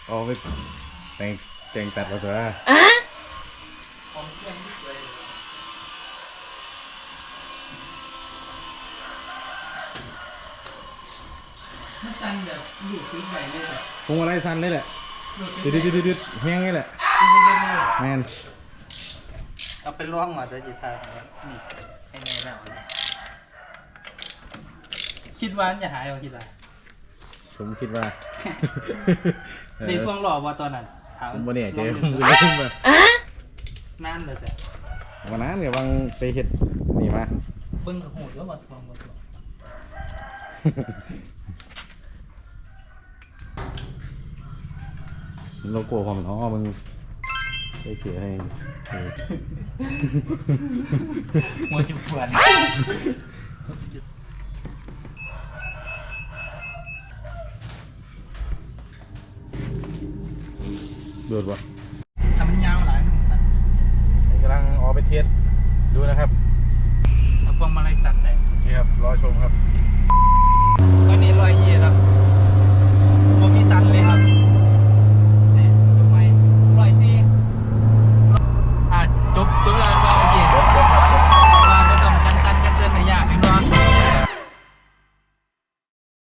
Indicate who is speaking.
Speaker 1: เอาไปแต่งตัดมาตัว
Speaker 2: มันสั่นแบบอยู่พื้นใหญ่เลยแบบ
Speaker 1: พวงอะไรสั้นนี่แหละดืดแห้งนี่แหละแมน
Speaker 2: เอาเป็นร่องมาจะจิตทางนี่ให้แน่แล้วคิดว่าจะหายเอาคิดว่า
Speaker 1: ผมคิดว่า
Speaker 2: ในพวงหล่อว่าตอนนั้น
Speaker 1: ผมวันนี้เจ๊ผมลืมไป
Speaker 2: นั่นเลยจ้ะ
Speaker 1: วันนั้นเนี่ยวางไปเห็ดนี่มา
Speaker 2: เบิ้งกับหูแล้วว่าทองว่าทอง
Speaker 1: โลโก้ความท้อมึงไปเขียนให้
Speaker 2: หัวจุกเพื่อน
Speaker 1: โดดวะ
Speaker 2: ทำมันยาวหลาย
Speaker 1: นี่กำลังออกไปเทสดูนะครับ
Speaker 2: เอาพวงมาลัยสัตว์แต่
Speaker 1: นี่ครับรอชมครับ
Speaker 2: ตอนนี้120แล้ว